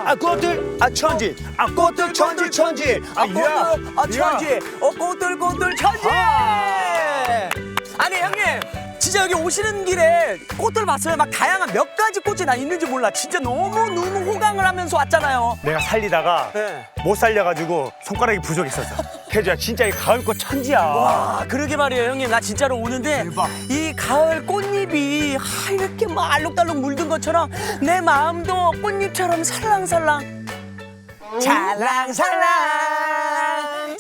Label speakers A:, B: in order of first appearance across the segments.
A: 꽃들 천지 꽃들 천지 천지
B: 천지 꽃들 천지. 아니 형님 진짜 여기 오시는 길에 꽃들 봤어요. 막 다양한 몇 가지 꽃이 나 있는지 몰라. 진짜 너무 호강을 하면서 왔잖아요.
A: 내가 살리다가
B: 네.
A: 못 살려가지고 손가락이 부족했었어. 태주야 진짜 이 가을꽃 천지야.
B: 와 그러게 말이에요 형님. 나 진짜로 오는데
A: 대박.
B: 이 가을 꽃잎이 이렇게 막 알록달록 물든 것처럼 내 마음도 꽃잎처럼 살랑살랑 살랑살랑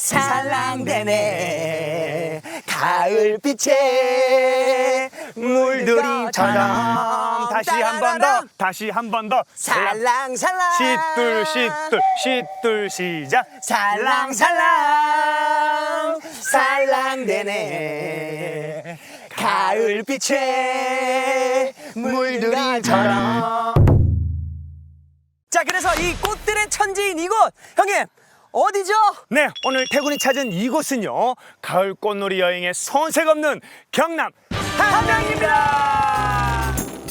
B: 살랑대네 가을빛에
A: 물들이처럼 다시 한 번 더
B: 살랑살랑
A: 시둘 시작.
B: 살랑살랑 살랑대네 가을빛에 물들이처럼. 자 그래서 이 꽃들의 천지인 이곳 형님 어디죠?
A: 네, 오늘 태군이 찾은 이곳은요 가을 꽃놀이 여행에 손색 없는 경남 함양입니다.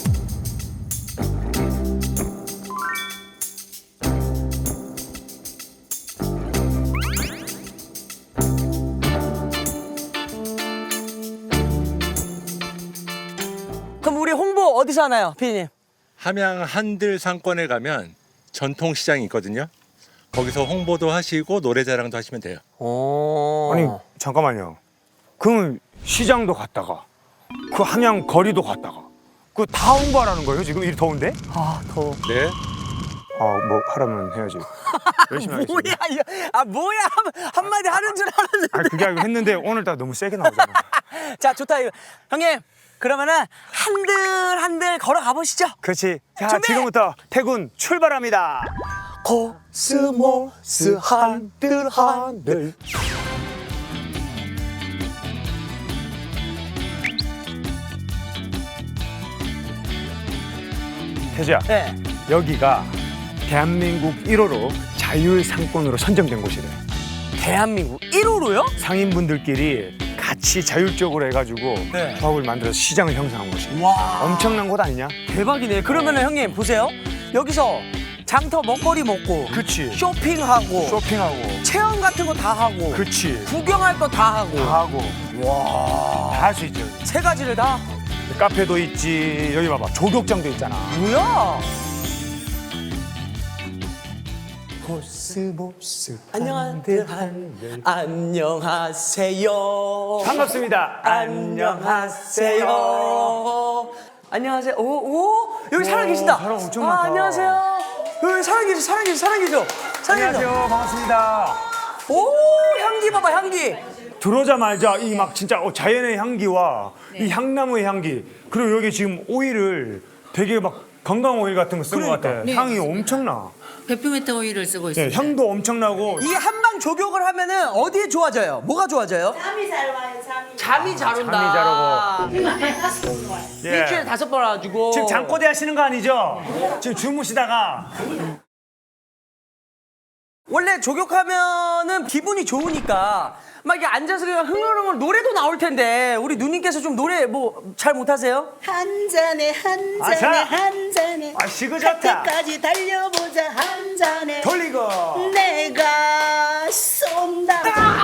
B: 그럼 우리 홍보 어디서 하나요 피디님?
C: 함양 한들 상권에 가면 전통시장이 있거든요. 거기서 홍보도 하시고 노래자랑도 하시면 돼요.
B: 오.
A: 아니 잠깐만요. 그럼 시장도 갔다가 그 함양 거리도 갔다가 그 다 홍보하라는 거예요 지금 이 더운데?
B: 아 더워.
C: 네.
A: 뭐 하라면 해야지. 열심히 하겠습니다.
B: 뭐야 이거. 뭐야 한마디 하는 줄 알았는데.
A: 아 그게 아니고 했는데 오늘따라 너무 세게 나오잖아.
B: 자 좋다 이거. 형님 그러면은 한들 걸어가 보시죠.
A: 그렇지. 자
B: 준비!
A: 지금부터 태군 출발합니다. 코스모스 한들 태주야
B: 네.
A: 여기가 대한민국 1호로 자율상권으로 선정된 곳이래.
B: 대한민국 1호로요?
A: 상인분들끼리 같이 자율적으로 해가지고
B: 네.
A: 조합을 만들어서 시장을 형성한 곳이야.
B: 와
A: 엄청난 곳 아니냐?
B: 대박이네. 그러면은 형님 보세요. 여기서 장터 먹거리 먹고
A: 그치.
B: 쇼핑하고
A: 쇼핑하고
B: 체험 같은 거 다 하고
A: 그치.
B: 구경할 거 다 하고
A: 다 하고
B: 와.
A: 다 할 수 있죠.
B: 세 가지를 다?
A: 카페도 있지. 여기 봐봐. 조격장도 있잖아.
B: 뭐야?
A: 코스모스
B: 안녕하세요. 안녕하세요.
A: 반갑습니다.
B: 안녕하세요. 안녕하세요. 오 여기 사람 계신다.
A: 사람 엄청 많다.
B: 안녕하세요. 여기 사람 계셔.
A: 안녕하세요. 반갑습니다.
B: 오 향기 봐봐 향기.
A: 들어오자마자 이 막 진짜 자연의 향기와 이 향나무의 향기 그리고 여기 지금 오일을 되게 막 건강 오일 같은 거 쓴 것 같아.
D: 네,
A: 향이
D: 맞습니다.
A: 엄청나.
D: 페프메타 오일을 쓰고
A: 네,
D: 있습니다.
A: 향도 엄청나고
B: 이 한방 조격을 하면은 어디에 좋아져요? 뭐가 좋아져요?
E: 잠이 잘 와요,
B: 잠이
E: 잠이.
B: 잘 온다.
A: 잠이 잘 오고. 예.
B: 일주일에 5번 와가지고.
A: 지금 잠꼬대 하시는 거 아니죠? 지금 주무시다가
B: 원래 조격하면은 기분이 좋으니까 막 이렇게 앉아서 그냥 흥얼흥얼 노래도 나올 텐데 우리 누님께서 좀 노래 뭐 잘 못하세요?
E: 한 잔에 한
A: 아,
E: 잔에
A: 자.
E: 한 잔에
A: 시그졌다.
E: 끝까지 달려보자 한 잔에
A: 돌리고
E: 내가 쏜다.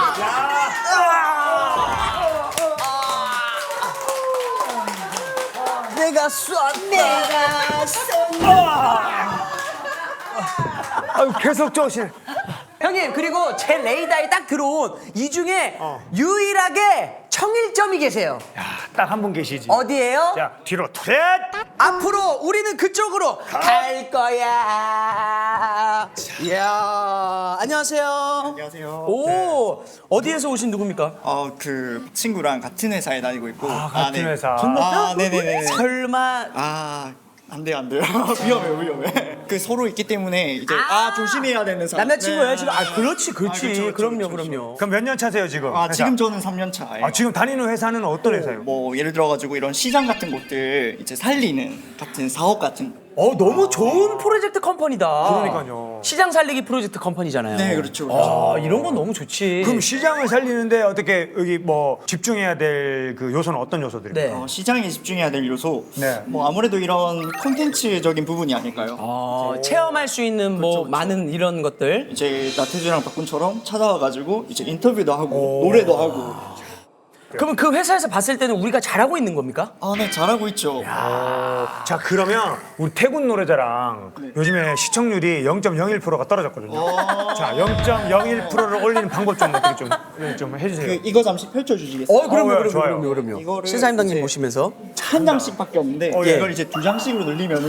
B: 내가 쏜다.
E: 내가 쏜다.
A: 아유, 계속 쪼시.
B: 형님 그리고 제 레이더에 딱 들어온 이 중에 유일하게 청일점이 계세요.
A: 딱 한 분 계시지.
B: 어디예요?
A: 자 뒤로 트렛.
B: 앞으로 우리는 그쪽으로 갈 거야. 이야, 안녕하세요.
F: 안녕하세요.
B: 오, 어디에서 오신 누굽니까?
F: 그 친구랑 같은 회사에 다니고 있고.
A: 같은
F: 네.
A: 회사.
F: 네네네.
B: 설마
F: 안 돼요. 위험해. 그 서로 있기 때문에 이제 조심해야 되는 사람.
B: 남자친구예요
F: 네.
B: 지금? 그렇지.
F: 그렇죠,
B: 그럼요.
A: 그럼 몇 년 차세요 지금? 회사?
F: 지금 저는 3년 차예요.
A: 지금 다니는 회사는 어떤 회사예요?
F: 뭐 예를 들어 가지고 이런 시장 같은 곳들 이제 살리는 같은 사업 같은
B: 너무 좋은 프로젝트 컴퍼니다.
A: 그러니까요.
B: 시장 살리기 프로젝트 컴퍼니잖아요.
F: 네, 그렇죠, 그렇죠.
B: 이런 건 너무 좋지.
A: 그럼 시장을 살리는데 어떻게 여기 뭐 집중해야 될 그 요소는 어떤 요소들입니까?
B: 네.
F: 시장에 집중해야 될 요소.
A: 네.
F: 뭐 아무래도 이런 콘텐츠적인 부분이 아닐까요?
B: 체험할 수 있는 뭐
F: 그렇죠, 그렇죠.
B: 많은 이런 것들.
F: 이제 나태주랑 박군처럼 찾아와가지고 이제 인터뷰도 하고 노래도 하고.
B: 그러면 그 회사에서 봤을 때는 우리가 잘하고 있는 겁니까?
F: 아, 네, 잘하고 있죠.
A: 자 그러면 우리 태군 노래자랑 요즘에 시청률이 0.01%가 떨어졌거든요. 자 0.01%를 올리는 방법 좀 어떻게 좀 해주세요.
F: 이거 잠시 펼쳐주시겠어요?
A: 좋아요.
F: 이거를
B: 신사임당님
F: 이제
B: 모시면서.
F: 한 장씩밖에 없는데
A: 예.
F: 이걸 이제 두 장씩으로 늘리면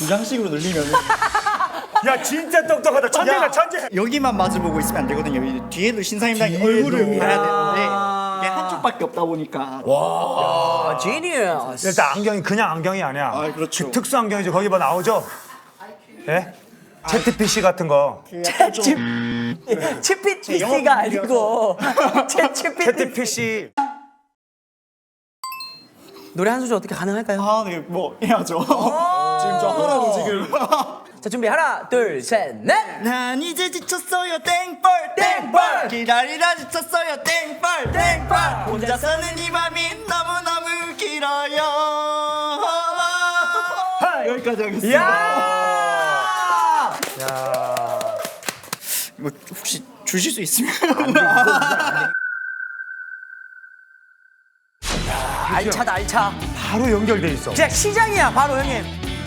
A: 야 진짜 똑똑하다. 천재다
F: 야,
A: 천재.
F: 여기만 마주보고 있으면 안 되거든요. 이 뒤에도 신사임당의
A: 뒤에도.
F: 얼굴을 봐야 되는데 이게 한쪽밖에 없다 보니까
B: 지니어스.
A: 일단 안경이 그냥 안경이 아니야.
F: 아, 그렇죠.
A: 그 특수 안경이죠. 거기 봐 나오죠. 예? 채트 PC 같은 거.
F: 그 약간 좀
B: 치피티가 아니고 채치피티.
A: 채트 PC.
B: 노래 한 소절 어떻게 가능할까요?
F: 아, 네, 뭐 해야죠. 지금 저 하라고 지금.
B: 자 준비 하나 둘 셋 넷.
F: 난 이제 지쳤어요 땡벌 기다리다 지쳤어요 땡벌 혼자서는 이 밤이 너무너무 길어요. 여기까지 하겠습니다.
B: 야.
F: 뭐 혹시 주실 수 있으면
B: 알차다 알차.
A: 바로 연결돼 있어.
B: 그냥 시장이야 바로 형님.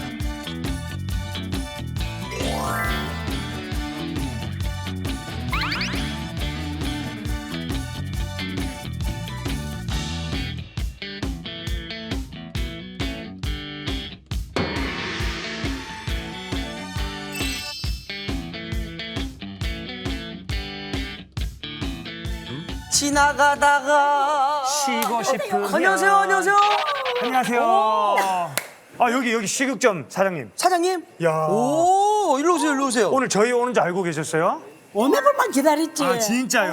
B: 지나가다가
A: 쉬고 싶은.
B: 안녕하세요 안녕하세요
A: 안녕하세요. 아 여기 식육점 사장님.
B: 사장님.
A: 야.
B: 오 일로 오세요 일로 오세요.
A: 오늘 저희 오는 줄 알고 계셨어요?
E: 오늘 분만 기다렸지.
A: 아 진짜요?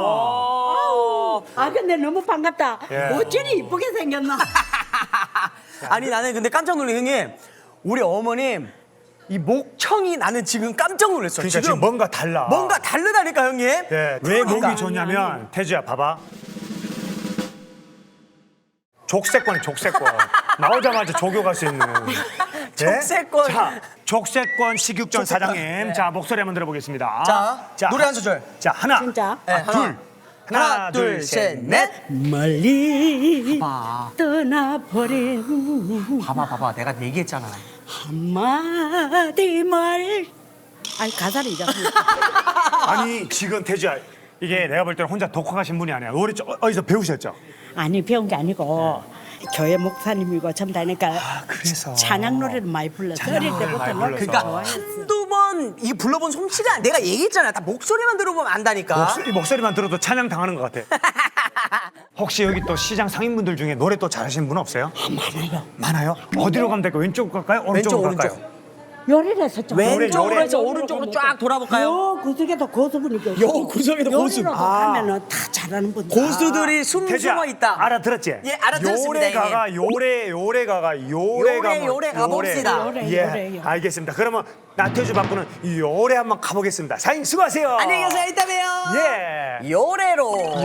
E: 아 근데 너무 반갑다.
A: 예.
E: 어쩌니 이쁘게 생겼나?
B: 아니 나는 근데 깜짝 놀란 형님 우리 어머님 이 목청이 나는 지금 깜짝 놀랐어.
A: 그러니까 지금 뭔가 달라.
B: 뭔가 다르다니까 형님.
A: 네. 왜
B: 그러니까.
A: 목이 좋냐면 태주야 봐봐. 족쇄권. 나오자마자 조교 갈 수 있는. 네?
B: 족쇄권.
A: 자, 족쇄권 식육점 사장님.
B: 네.
A: 자 목소리 한번 들어보겠습니다.
B: 자, 노래 한 소절.
A: 자 하나.
E: 진짜?
B: 네,
A: 둘.
B: 하나 둘 셋 넷.
E: 멀리
B: 봐.
E: 떠나버린
B: 봐봐 내가 얘기했잖아.
E: 한마디 말. 아니 가사를 잊었어.
A: 아니 지금 태주야 이게 내가 볼 때는 혼자 독학하신 분이 아니야. 노래 어디서 배우셨죠?
E: 아니 배운 게 아니고 교회 목사님이고 전다니까
A: 그래서.
E: 찬양 노래를 많이 불렀어. 어릴 때부터
A: 많이
E: 노래
A: 불러서.
B: 그러니까
E: 좋아했어.
B: 한두 번 이 불러본 솜씨가 내가 얘기했잖아. 다 목소리만 들어보면 안다니까.
A: 목소리만 들어도 찬양 당하는 것 같아. 혹시 여기 또 시장 상인분들 중에 노래 또 잘하시는 분 없어요?
E: 많아요.
A: 많아요? 어디로 가면 될까요? 왼쪽 갈까요? 오른쪽으로
B: 왼쪽,
A: 갈까요?
E: 요리를 했었죠.
B: 왼쪽으로
A: 요래.
B: 해서 오른쪽으로 쫙 돌아볼까요?
E: 요 구석에도 고수분이 계시고.
B: 요 구석에도 고수.
E: 요리로도 가면은 다 잘하는 분들.
B: 고수들이 숨숨어 있다.
A: 알아들었지?
B: 예, 알아들었습니다,
A: 요래가가 요래가
B: 요래 가봅시다.
E: 요래.
A: 알겠습니다. 그러면 나태주 바꾸는 요래 한번 가보겠습니다. 사장님 수고하세요.
B: 안녕히 계세요. 이따 봬요.
A: 예.
B: 요래로.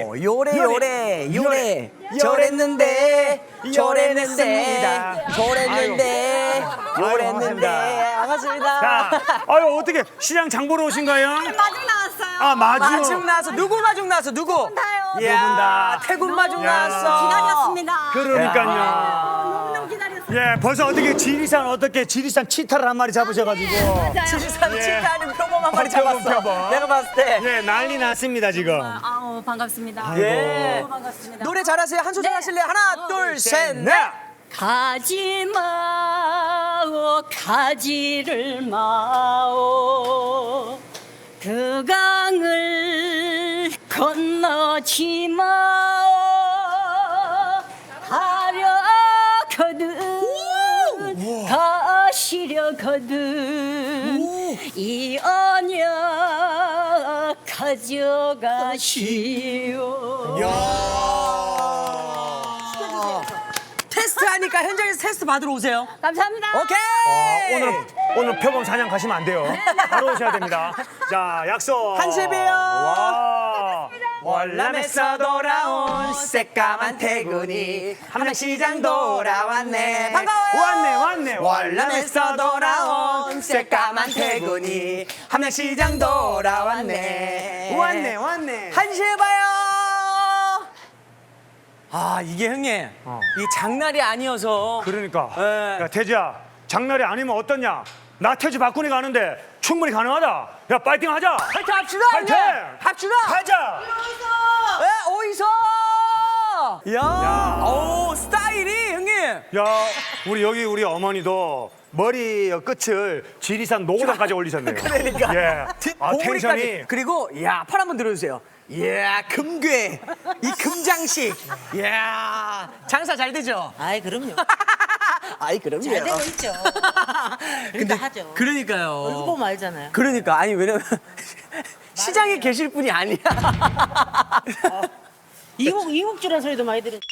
B: 요래. 저랬는데. 반갑습니다.
A: 자, 아유 어떻게 시장 장 보러 오신 거예요?
D: 마중 나왔어요.
A: 아 마중.
B: 마중 나왔어. 누구 마중 나왔어? 누구?
D: 타요.
A: 예. 분다.
B: 태군 마중
A: 야.
B: 나왔어.
D: 기다렸습니다.
A: 그러니까요.
D: 너무 기다렸어요.
A: 예, 벌써 어떻게 지리산 치타를 한 마리 잡으셔가지고.
B: 지리산
A: 예.
B: 치타는 표범 한 마리
A: 표범.
B: 잡았어. 내가 봤을 때.
A: 예, 난리 났습니다 지금.
D: 아우 반갑습니다.
B: 예.
D: 너무 반갑습니다.
B: 노래 잘하세요. 한 소절 하실래요? 하나, 둘, 셋, 넷.
D: 가지 마오 가지를 마오 그 강을 건너지 마오 가려거든 가시려거든 이 언약 가져가시오
B: 테스트 하니까 현장에서 테스트 받으러 오세요.
D: 감사합니다.
B: 오케이.
A: 오늘 표범 사냥 가시면 안 돼요. 바로 오셔야 됩니다. 자, 약속.
B: 한시에 봬요.
A: 와.
B: 월남에서 돌아온 새까만 태군이 함양시장 돌아왔네. 반가워요.
A: 왔네.
B: 월남에서 돌아온 새까만 태군이 함양시장 돌아왔네.
A: 왔네.
B: 한시에 봐요. 아 이게 형님 이 장날이 아니어서
A: 그러니까.
B: 예.
A: 야, 태지야. 장날이 아니면 어떠냐? 나 태지 바꾸니 가는데 충분히 가능하다. 야, 파이팅 하자.
B: 파이팅 합시다.
A: 파이팅!
B: 형님. 합시다.
A: 가자.
B: 예, 어디서? 야, 오 스타일이 형님.
A: 야, 우리 어머니도 머리 끝을 지리산 노고단까지 올리셨네요.
B: 그러니까.
A: 예. 아,
B: 봉우리까지.
A: 텐션이.
B: 그리고 야, 팔 한번 들어주세요. 이야, 금괴. 이 금장식. 이야, 장사 잘 되죠?
E: 아이 그럼요.
B: 아이, 그럼요.
E: 잘 되고 있죠. 근데 하죠.
B: 그러니까요.
E: 얼굴 보면 알잖아요.
B: 그러니까 아니 왜냐면 시장에 계실 분이 아니야.
E: 이국주란 소리도 많이 들은.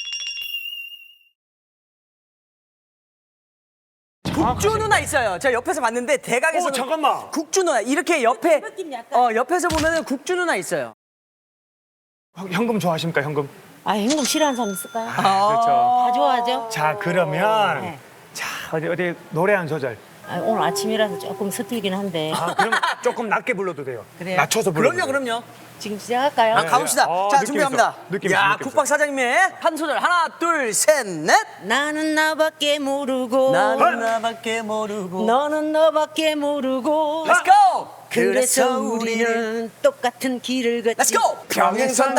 B: 국주 누나 있어요. 제가 옆에서 봤는데 대강에서
A: 오, 잠깐만.
B: 국주 누나 이렇게 옆에
E: 느낌 약간.
B: 옆에서 보면은 국주 누나 있어요.
A: 현금 좋아하십니까, 현금?
E: 아 현금 싫어하는 사람 있을까요?
A: 그렇죠.
E: 다 좋아하죠.
A: 자, 그러면
E: 네.
A: 자, 어디 노래 한 소절.
E: 아, 오늘 아침이라서 조금 서툴긴 한데
A: 아, 그럼 조금 낮게 불러도 돼요.
E: 그래요?
A: 낮춰서 불러도 돼요.
B: 그럼요.
E: 지금 시작할까요?
B: 아, 가봅시다.
A: 아,
B: 자,
A: 느낌
B: 준비합니다.
A: 있어. 느낌 있어,
B: 야,
A: 느낌 있어.
B: 국박 사장님의 한 소절 하나, 둘, 셋, 넷.
E: 나는 나밖에 모르고
B: 나는 나밖에 모르고.
E: 너는 너밖에 모르고
B: Let's go.
E: 그래서 우리는 똑같은 길을 걷지.
B: Let's go. 평행선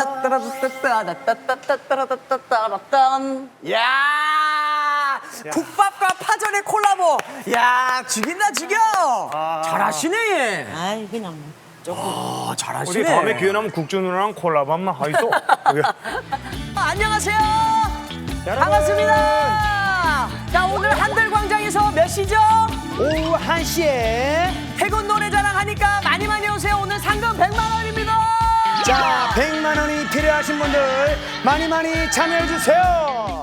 B: 따따라따따따따따따따따따따따. 야, 국밥과 파전의 콜라보. 야, 죽인다 죽여. 잘하시네 얘.
E: 아이 그냥 뭐.
A: 우리
B: 잘하시네.
A: 다음에 기회 나면 국주 누나랑 콜라보 한번 하이소.
B: 안녕하세요. 반갑습니다. 자, 오늘 한들광장에서 몇 시죠?
A: 오후 1시에
B: 태군 노래자랑 하니까 많이 오세요. 오늘 상금 100만 원입니다.
A: 자, 100만 원이 필요하신 분들 많이 참여해 주세요.